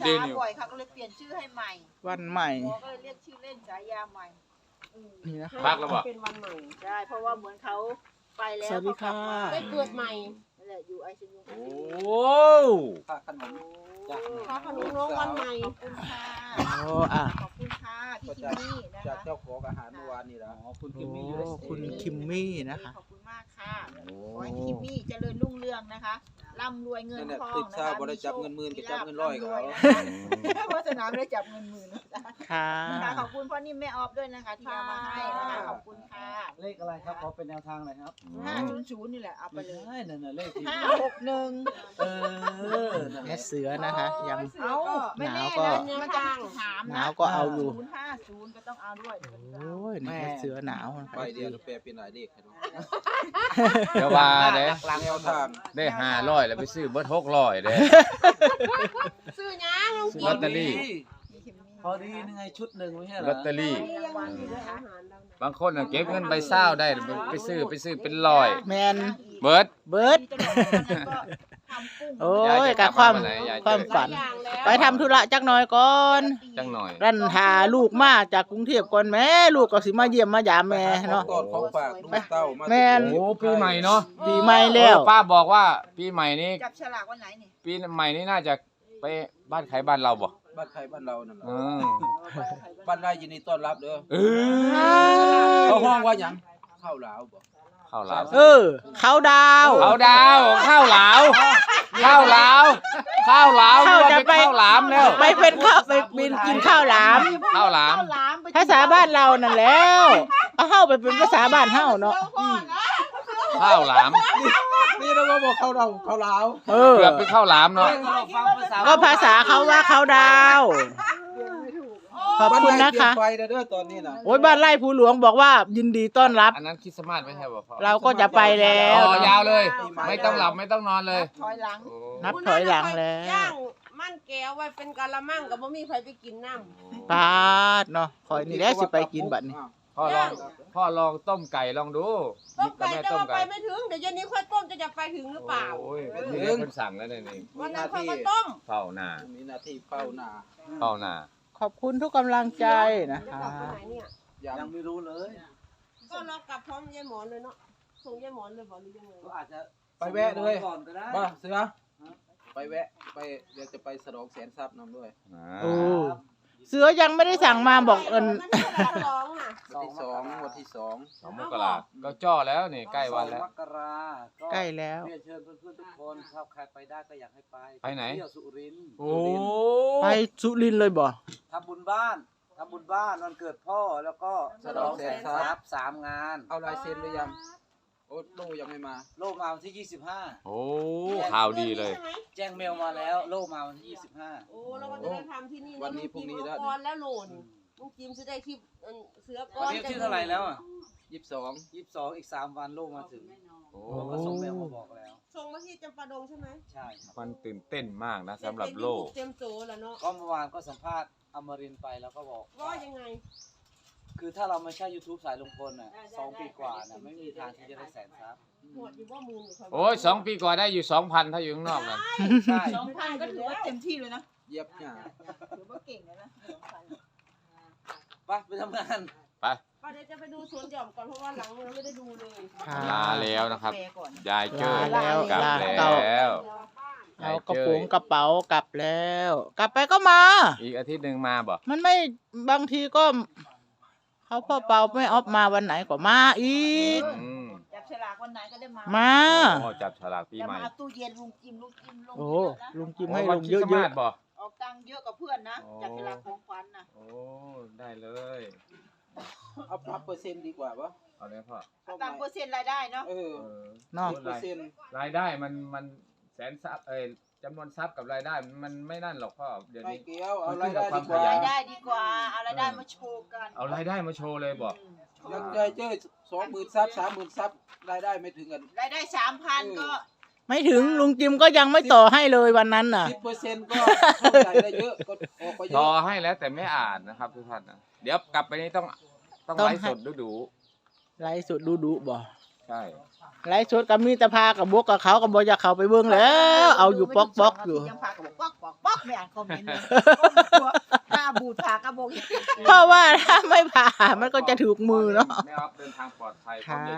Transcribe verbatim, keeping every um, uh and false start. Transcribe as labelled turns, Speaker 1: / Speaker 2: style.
Speaker 1: ษาบ่อยค่ะก็เลยเปลี่ยนชื่อให้ใหม่
Speaker 2: วันใหม่
Speaker 1: หมอก็เลยเรียกชื่อเล่นฉายาใหม่
Speaker 2: นี่นะคะ
Speaker 3: พักแล้วบ่
Speaker 4: เป็นวันใหม่
Speaker 1: ใช่เพราะว่าเหมือนเขาไปแล้ว
Speaker 2: สวัสดีค่ะ
Speaker 4: ได้เกิดใหม่
Speaker 1: นั่นแหละอยู่ไอซียู
Speaker 3: โอ้
Speaker 5: ค่าขนมจาก
Speaker 4: พระขนมน้องวันใหม่
Speaker 1: ขอบคุณค่ะ
Speaker 2: โอ้อ่ะ
Speaker 1: ขอบคุณค่ะพี่คิมมี่นะ
Speaker 5: จาก
Speaker 1: คะ
Speaker 5: เจ้าของอาหารเมื่อวานนี่ละอ๋อคุณ
Speaker 2: โอ้
Speaker 5: คิมมี่อยู่ในสเต
Speaker 2: คุณ
Speaker 5: จ
Speaker 2: คิมมี่นะคะ
Speaker 1: ขอบคุณมากค่ะขอให้คิมมี่เจริญรุ่งเรืองนะคะร่ำรวยเงิน
Speaker 5: นั่นแหละ
Speaker 1: ทอง
Speaker 5: ติด
Speaker 1: นะ
Speaker 5: ชา
Speaker 1: คะ
Speaker 5: บริจับเงินหมื่นกับจับเงินร้อยกับเขา
Speaker 1: เพราะสนามได้จับเงินหมื่นนะจ๊ะ
Speaker 2: ค่ะ
Speaker 1: นะคะขอบคุณพ่อนิ่มแม่ออฟด้วยนะคะที่เอามาให้นะคะขอบคุณค่ะ
Speaker 5: เลขอะไรครับขอเป็นแนวทางหน่อยครับ
Speaker 1: ห้าศูนย์ศูนย์นี่แหละเอาไป
Speaker 5: ไม่
Speaker 1: เลย
Speaker 5: ใช่นั่นน่ะเลขที่
Speaker 1: ห้าหกหนึ่ง
Speaker 5: เออนั่นแห
Speaker 2: แม่
Speaker 5: ละ
Speaker 2: เสือนะคะ ยัง
Speaker 1: เอาไม่แน่
Speaker 2: หนาวก็
Speaker 1: นะมันจะถาม
Speaker 2: ห
Speaker 1: นะ
Speaker 2: นาวก็เอาอยู่
Speaker 1: ศูนย์ห้าศูนย์ก็ต้องเอาด้วย
Speaker 2: โอ้ยนี่แม่เสือหนาวนะ
Speaker 5: ไปเดียวแปลเป็นหลายเลขครับ
Speaker 3: เดี๋ยวว่าเด้
Speaker 5: แนวทาง
Speaker 3: ได้ห้าร้อยแล้วไปซื้อเบิดหกร้อยเด้
Speaker 4: ซื้อยังลง
Speaker 3: ลอตเตอรี่
Speaker 5: พอดียังไงชุดหนึ่งไม่ใช่เหร
Speaker 3: ล
Speaker 5: อ
Speaker 3: อตเตอรี่
Speaker 4: มีรางวัลอยู่ด้วยอาหารเรานะ
Speaker 3: บางคนน่ะเก็บเงินใบเศร้าได้ไปซื้อไปซื้อเป็นร้อย
Speaker 2: แมน
Speaker 3: เบิด
Speaker 2: เบิร์ด โอ้ยกับความความฝัน
Speaker 4: อย่างแล้ว
Speaker 2: ไปทำธุระจักหน่อยก่อน
Speaker 3: จังหน่อย
Speaker 2: รันหาลูกมาจากกรุงเทพก่อนแม่ลูกก็สิมาเยี่ยมมายามแม่เนาะ
Speaker 5: ตอนของฝากลูกเต้ามา
Speaker 2: แม่น
Speaker 3: โอ้ปีใหม่เนาะ
Speaker 2: ปีใหม่แล้ว
Speaker 3: ป้าบอกว่าปีใหม่นี้
Speaker 1: จับฉลากวันไหนนี่
Speaker 3: ปีใหม่นี้น่าจะไปบ้านใครบ้านเราบ่
Speaker 5: บ้านใครบ้านเรานั่นแหละ
Speaker 3: อืม
Speaker 5: บ้านไรยินดีต้อนรับเด้อ
Speaker 3: เออ
Speaker 5: เขาห้องว่าหยังข้าวหลาวบ่
Speaker 3: ข้าวหลาม
Speaker 2: เออ เขาดาว
Speaker 3: ข้าวดาวข้าวหลาวข้าวหลาวข้าวหลาว
Speaker 2: ข้าวจะไป
Speaker 3: ข้าวหลามแล้ว
Speaker 2: ไปเป็นข้าวไปบินกินข้าวหลาม
Speaker 3: ข้าวหลาม
Speaker 1: หลามไป
Speaker 2: ภาษาบ้านเรานั่นแล้วเอาเฮาไปเป็นภาษาบ้านเฮาเนาะ
Speaker 3: ข้าวหลาม
Speaker 5: นี่เราบอกข้าวเราข้าวหลาว
Speaker 2: เออ
Speaker 3: เกือบเป็นข้าวหลามเนาะ
Speaker 2: ก็ภาษาเขาว่าเขาดาว ขอบคุณนะคะ
Speaker 5: บ้าไรเตรียมไฟเด้อตอนนี้น่ะ
Speaker 2: โอ้ยบ้านไร่ภูหลวงบอกว่ายินดีต้อนรับ
Speaker 3: อันนั้นคริสต์มาสไม่ใช่บ่พ่อ
Speaker 2: เราก็จะไปแล้ว
Speaker 3: อ๋อยาวเลย ไม่ต้องหลับไม่ต้องนอนเลย
Speaker 1: ถอยหลัง
Speaker 3: โอ้
Speaker 2: นับถอยหลังแล้ว
Speaker 4: ย่างมันแก้วไว้เป็นกะละมังกับบ่มีใครไปกินน้ำ
Speaker 2: ปาดเนาะคอยนี่แหละสิไปกินบัดนี้
Speaker 3: พ่อลองพ่อลองต้มไก่ลองดู
Speaker 4: ต้มไก่
Speaker 3: แม่
Speaker 4: จะ
Speaker 3: ต้ม
Speaker 4: ว่าไป
Speaker 3: ไก่
Speaker 4: ไม่ถึงเดี๋ยวเย็นนี้ค่อยต้มจะจะไปถึงหรือเปล่า
Speaker 3: โอ้ยนี่เพิ่นสั่งแล้วนี่นี่
Speaker 4: วันนั้นค่อยมาต้ม
Speaker 3: เฝ้าหน้า
Speaker 5: มีหน้าที่เฝ้าหน้า
Speaker 3: เฝ้าหน้า
Speaker 2: ขอบคุณทุกกำลังใจนะ
Speaker 4: จะ
Speaker 2: คะ
Speaker 4: กลับไปไหนเนี่ย
Speaker 5: ยังไม่รู้เลย
Speaker 4: ก็เรากลับพร้อมยายหมอนเลยเนาะส่งยายหมอนเลยบอกหรือยังไง
Speaker 5: ก็อาจจะไปแวะเลยก่อนก็ได้ป่ะเสือไปแวะไปเดี๋ยวจะไปสะดองแสนทรัพย์นำด้วย
Speaker 3: อ่า
Speaker 2: โอ้เสือยังไม่ได้สั่งมาบอกเอิน
Speaker 4: มันไม่ใช่วันร้องน่ะ
Speaker 5: วันที่สองวันที่สอง
Speaker 3: สองมกราก็จ่อแล้วนี่ใกล้วันแล้ว
Speaker 6: มกราก็
Speaker 2: ใกล้แล้ว
Speaker 6: เรียนเชิญเพื่อนๆทุกคนถ้าใครไปได้ก็อยากให้ไป
Speaker 3: ไปไหน
Speaker 6: เที่ยวสุรินทร์
Speaker 3: โอ้
Speaker 2: ไปสุรินทร์เลยบ่
Speaker 6: ทำบุญบ้านทำบุญบ้านวันเกิดพ่อแล้วก็
Speaker 5: สะดองแสนทรัพย์
Speaker 6: สามงาน
Speaker 5: เอาลายเซ็นหรือยังโอ้โลยังไม่มา
Speaker 6: โลกมาวันที่ยี่สิบห้า
Speaker 3: โอ้ข่าวดีเลย
Speaker 4: ใช่ไหม
Speaker 6: แจ้งเมลมาแล้ว โลกมาวันที่ยี่สิบห้า
Speaker 4: โอ้เราก็จะได้ทำที่นี่
Speaker 5: วันนี้พรุ่งนี้แล้ว
Speaker 4: ก่อนแล้วโหลนลุงจิมจะได้คลิปเอิ่นเสือก้อ
Speaker 6: วัน นนี้ที่เท่าไหร่แล้วอ่ะ
Speaker 5: ยี่สิบสอง
Speaker 6: ยี่สิบสองอีกสามวันโลกมาถึง
Speaker 3: โอ้
Speaker 6: ผมก็ส่งเมลมาบอกแล้ว
Speaker 4: ส่งมาที่จำปาดงใช่ไหม
Speaker 6: ใช่ครับ
Speaker 3: มันตื่นเต้นมากนะสำหรับโลก
Speaker 4: เตรียมโจแล้วเนาะ
Speaker 6: ก็เมื่อวานก็สัมภาษณ์อมรินทร์ไปแล้วก็บอก
Speaker 4: ว่ายังไง
Speaker 6: คือถ้าเราไม่ใช่ YouTube สายลุงพลน่ะสองปีกว่าน่ะไม่มีทางที่จะได้แสนทรัพย์
Speaker 4: หวดอยู่ว่ามูลอยู่
Speaker 3: โอ้ยสองปีก่อนได้อยู่สองพันถ้าอยู่ข้างนอกนะ
Speaker 6: ใช่
Speaker 1: สองพันก็ถือว่าเต็มที่เลยนะ
Speaker 5: เย็บหน้า
Speaker 1: ถือว่าเก่งเลยนะสองพัน
Speaker 6: ไปไปทำงาน
Speaker 3: ไป
Speaker 4: ป้าเดี๋ยวจะไปดูสวนหย่อมก่อนเพราะว่าหลังเราไม่ได้ดูเลย
Speaker 2: ค่ะ
Speaker 3: ลาแล้วนะครับ
Speaker 1: แปลก่อน
Speaker 3: ยายเจอ
Speaker 2: ลาแล้ว
Speaker 3: กลับ
Speaker 2: ลา
Speaker 3: แล้ว
Speaker 2: เอากระโปรงกระเป๋ากลับแล้ว กลับไปก็มา
Speaker 3: อีกอาทิตย์หนึ่งมาบ่
Speaker 2: มันไม่บางทีก็ เขาพ่อเปาไม่ออฟมาวันไหนก็มาอีก
Speaker 3: อืม
Speaker 1: จับฉลากวันไหนก็ได้มา
Speaker 2: มา
Speaker 3: โอ้จับฉลากปี
Speaker 1: จะ
Speaker 3: ใหม่
Speaker 1: มาตู้เย็นลุงจิมลุงจิมลง
Speaker 2: โอ้
Speaker 1: เยอะนะ
Speaker 2: ลุงจิม
Speaker 3: โอ้
Speaker 2: ให้
Speaker 3: วั
Speaker 2: ล
Speaker 3: น
Speaker 2: ง
Speaker 3: ค
Speaker 2: เย
Speaker 3: ริสต์มา
Speaker 2: อะ
Speaker 3: สบ่
Speaker 1: ออกตังค์เยอะกับเพื่อนนะ
Speaker 3: โอ้
Speaker 1: จับฉลากของขวัญนะ
Speaker 3: โอ้ได้เลย
Speaker 5: เอาปรับเปอร์เซ็นต์ดีกว่าปะ
Speaker 3: เอาเลยพ่อ
Speaker 1: ตามเปอร์เซ็นต์รายได้เนาะ
Speaker 5: เออ
Speaker 3: เออ
Speaker 2: ๆเนาะ
Speaker 5: สิบเปอร์เซ็นต์
Speaker 3: รายได้มันมันแสนทรัพย์เอ้ยจำนวนทรัพย์กับรายได้มันไม่นั่นหรอกพ่อเดี๋ยว
Speaker 5: ไม่
Speaker 3: นี้
Speaker 5: เกี่ยวเอารายได้ดีกว่า
Speaker 1: รายได้ดีกว่าเอารายได้มาโชว์กัน
Speaker 3: เอารายได้มาโชว์เลยบอก
Speaker 5: ยังใจเจ้สองหมื่นซับสามหมื่นซับรายได้ไม่ถึงกัน
Speaker 1: รายได้สามพันก็
Speaker 2: ไม่ถึงลุงจิมก็ยังไม่ต่อให้เลยวันนั้นน่ะ
Speaker 5: สิบเปอร์เซ็นต์ก็เข้าใจได้เยอะก็ออกไปเย
Speaker 3: รอ
Speaker 5: อะ
Speaker 3: ให้แล้วแต่ไม่อ่านนะครับทุกท่านนะเดี๋ยวกลับไปนี่ต้องต้อง
Speaker 2: ต้อง
Speaker 3: ไลฟ์
Speaker 2: ให้
Speaker 3: สดดูดู
Speaker 2: ไลฟ์สดดูดูบ่
Speaker 3: ใช่
Speaker 2: ไลฟ์สดก็มีแต่พากับบวกกับเขาก็บ่อยากเข้าไปเบิ่งแล้ว เอาอยู่ป๊อกป๊อกอยู่
Speaker 1: ยังพากับบอกป๊อกป๊อกป๊อกไม่อ่านคอมเมนต์เลยหน้าบูดพากระบอก
Speaker 2: เพราะว่าถ้าไม่ผ่ามันก็จะถูกมือเนาะ
Speaker 3: แม่ออฟเดินทางปลอดภัย
Speaker 2: ค่ะ